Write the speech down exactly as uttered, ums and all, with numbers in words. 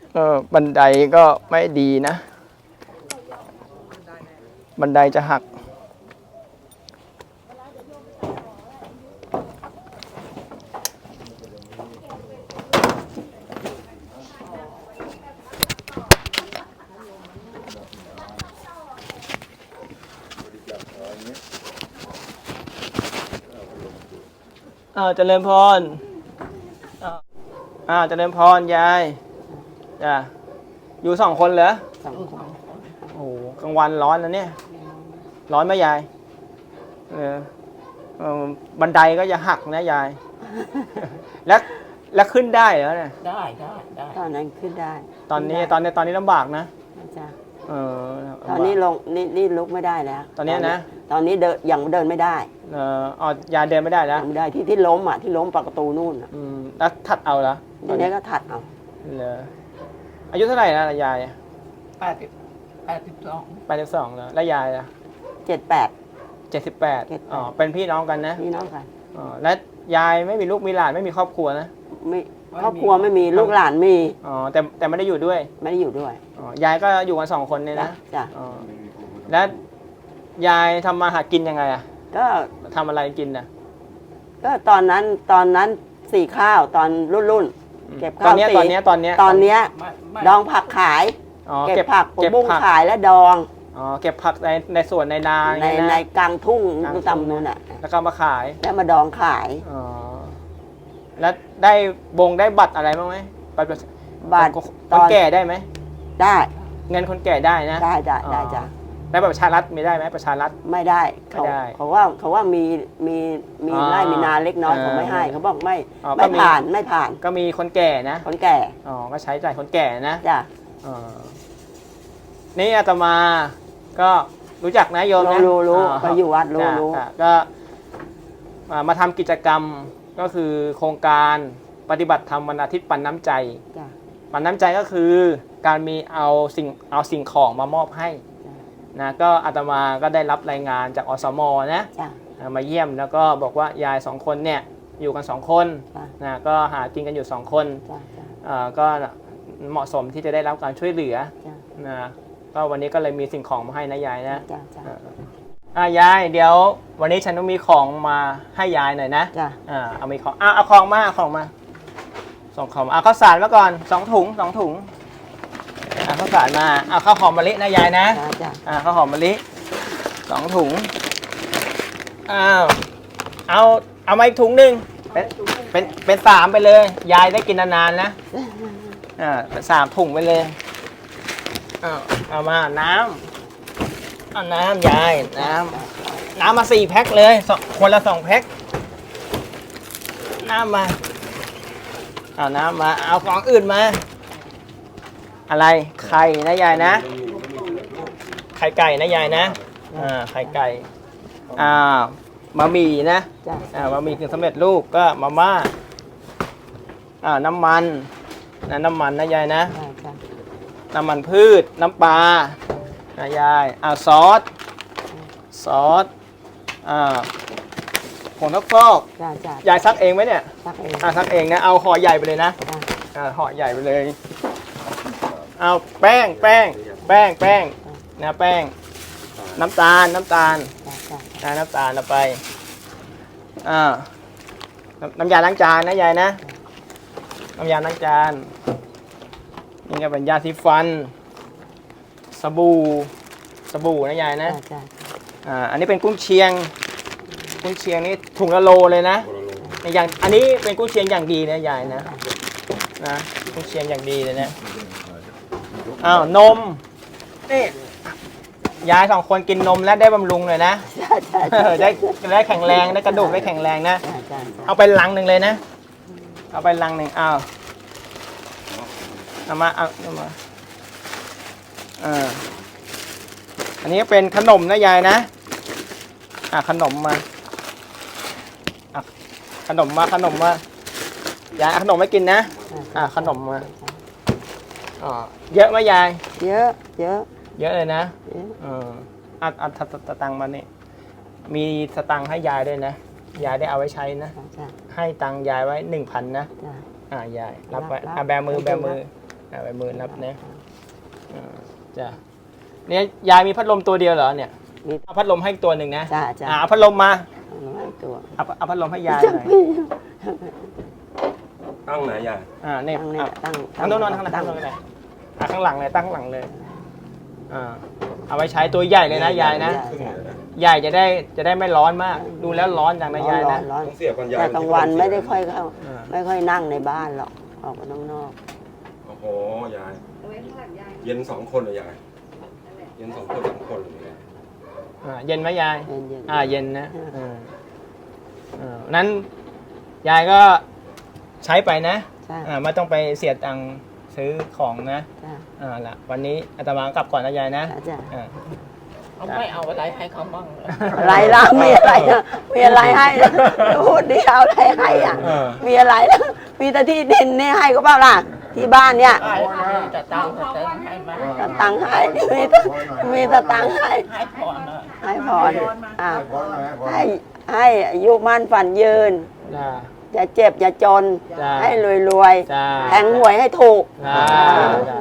เออบันไดก็ไม่ดีนะบันไดจะหักอ่าเจริญพรอ่าเจริญพรยายจ้ะอยู่สองคนเหรอสองคนโอ้กลางวันร้อนนะเนี่ยร้อนไหมยายเออบันไดก็จะหักนะยายแล้วแล้วขึ้นได้เหรอเนี่ยได้ได้ได้ตอนนั้นขึ้นได้ตอนนี้ตอนนี้ตอนนี้ลำบากนะจ้ะเออตอนนี้ลงนี่นี่ลุกไม่ได้แล้วตอนนี้นะตอนนี้เดินยังเดินไม่ได้เอออ๋อยายเดินไม่ได้แล้วไม่ได้ที่ที่ล้มอ่ะที่ล้มปากประตูนู่นอ่ะอืมแล้วถัดเอาเหรอทีนี้ก็ถัดเอาเหรออายุเท่าไหร่นะยายแปดสิบแปดสิบสองแปดสิบสองแล้วแล้วยายล่ะเจ็ดแปดเจ็ดสิบแปดอ๋อเป็นพี่น้องกันนะพี่น้องกันอ๋อแล้วยายไม่มีลูกมีหลานไม่มีครอบครัวนะไม่ครอบครัวไม่มีลูกหลานมีอ๋อแต่แต่ไม่ได้อยู่ด้วยไม่ได้อยู่ด้วยอ๋อยายก็อยู่กันสองคนเนี่ยนะจ้ะอ๋อแล้วยายทำมาหากินยังไงอ่ะก็ทำอะไรกินน่ะก็ตอนนั้นตอนนั้นสีข้าวตอนรุ่นรุ่นเก็บข้าวตอนนี้ตอนนี้ตอนนี้ตอนนี้ดองผักขายเก็บผักผักบุ้งขายและดองอ๋อเก็บผักในในสวนในนาในในกลางทุ่งตำนู่นอ่ะแล้วก็มาขายแล้วมาดองขายอ๋อแล้วได้บงได้บัตรอะไรบ้างไหมบัตรบัตรคนแก่ได้ไหมได้เงินคนแก่ได้นะได้ได้ได้จ้ะแล้วประชารัฐมีได้ไหมประชารัฐไม่ได้เขาเขาว่าเขาว่ามีมีมีไร่มีนาเล็กน้อยเขาไม่ให้เขาบอกไม่ไม่ผ่านไม่ผ่านก็มีคนแก่นะคนแก่อ๋อก็ใช้จ่ายคนแก่นะจ้ะนี่อาตมาก็รู้จักนะโยมนะรู้รู้ไปอยู่วัดรู้รู้ก็มาทำกิจกรรมก็คือโครงการปฏิบัติธรรมวันอาทิตย์ปันน้ำใจปันน้ำใจก็คือการมีเอาสิ่งเอาสิ่งของมามอบให้นะก็อาตมาก็ได้รับรายงานจากอสมนะมาเยี่ยมแล้วก็บอกว่ายายสองคนเนี่ยอยู่กันสองคนนะก็หากินกันอยู่สองคนก็เหมาะสมที่จะได้รับการช่วยเหลือนะก็วันนี้ก็เลยมีสิ่งของมาให้นะยายนะอ่ายายเดี๋ยววันนี้ฉันต้องมีของมาให้ยายหน่อยนะอ่าเอามีของอ่าเอาของมาเอาของมาส่งของเอาข้าวสารมาก่อนสองถุงสองถุงเอาข้าวสารมาเอาข้าวหอมมะลินะยายนะอ่าข้าวหอมมะลิสองถุงอ้าวเอาเอามาอีกถุงหนึ่งเป็นเป็นเป็นสามไปเลยยายได้กินนานๆนะอ่าเป็นสามถุงไปเลยเอาเอามาน้ำเอาน้ำยายน้ำน้ำมาสี่แพ็คเลยคนละสองแพ็คน้ำมาเอาน้ำมาเอาของอื่นมาอะไรไข่นะยายนะไข่ไก่นะยายนะอ่าไข่ไก่อ่าบะหมี่นะอ่าบะหมี่กึ่งสำเร็จรูปก็มาม่าอ่าน้ำมันนะน้ำมันนะยายนะน้ำมันพืชน้ำปลานะยายอ่าซอสซอสอ่าผงซักฟอกยายซักเองไหมเนี่ยซักเองอ่าซักเองนะเอาห่อใหญ่ไปเลยนะอ่าห่อใหญ่ไปเลยเอาแป้งแป้งแป้งแป้งนะแป้งน้ำตาลน้ำตาลนะน้ำตาลเอาไปอ่าน้ำยาล้างจานนะยายนะน้ำยาล้างจานนี่ก็เป็นยาสีฟันสบู่สบู่นะยายนะอ่าอันนี้เป็นกุ้งเชียงกุ้งเชียงนี่ถุงละโลเลยนะอย่างอันนี้เป็นกุ้งเชียงอย่างดีนะยายนะนะกุ้งเชียงอย่างดีเลยนะอ้าวนมนี่ยายสองคนกินนมแล้วได้บำรุงเลยนะได้ได้แข็งแรงได้กระดูกได้แข็งแรงนะเอาไปลังหนึ่งเลยนะเอาไปลังหนึ่งอ้าวเอามาเอาเอามาอ่าอันนี้เป็นขนมนะยายนะอ่ะขนมมาอ่ะขนมมาขนมมายายขนมไม่กินนะอ่ะขนมมาอ๋อเยอะไหมยายเยอะเยอะเยอะเลยนะเอออัดอัดสตังค์มานี่มีสตังค์ให้ยายด้วยนะยายได้เอาไว้ใช้นะให้ตังค์ยายไว้หนึ่งพันนะอ่ายายรับไว้อ่ะแบมือแบมืออ่าใบมือนับนะอ่าจ้ะเนี่ยยายมีพัดลมตัวเดียวเหรอเนี่ยมีเอาพัดลมให้อีกตัวหนึ่งนะจ้าจ้าอ่าเอาพัดลมมาเอาไว้ตัวเอาเอาพัดลมให้ยายหน่อยตั้งไหนยายอ่าเนี่ยตั้งเนี่ยอ่ะตั้งทั้งโน้นนอนทั้งหลังตั้ทั้งงโน้นเลยอ่าข้างหลังเลยตั้งข้างหลังเลยอ่าเอาไว้ใช้ตัวใหญ่เลยนะยายนะครึ่งเลยนะใหญ่จะได้จะได้ไม่ร้อนมาก ดูแล้วร้อนจังนะยายร้อนะนร้อนต้องเสียบกันยายแต่กลางวันไม่ได้ค่อยเข้าอ่าไม่ค่อยนั่งในบ้านหรอกออกมาข้างนอกโอ้โหยายเย็นสองคนเลยยายเย็นสองคนสามคนเลยยายอ่าเย็นไหมยายเย็นเย็นอ่าเย็นนะอ่าอ่าอ่านั้นยายก็ใช้ไปนะใช่อ่าไม่ต้องไปเสียตังค์ซื้อของนะจ้าอ่าละวันนี้อาตมากลับก่อนนะยายนะจ้าอ่าเอาไม่เอาอะไรให้เขาบ้างเหรออะไรล่ะมีอะไรอ่ะมีอะไรให้นะพูดดิเอาอะไรให้อ่ะเออมีอะไรล่ะมีแต่ที่ดินเนี่ยให้ก็เปล่าล่ะที่บ้านเนี่ยให้แต่ตังค์แต่เติมให้มาตะตังค์ให้มีมีตะตังค์ให้ให้ผ่อนเลยให้พรอ่าให้ให้อายุมั่นฝันยืนจ้าอย่าเจ็บอย่าจนจ้าให้รวยรวยจ้าๆแทงหวยให้ถูกจ้าจ้า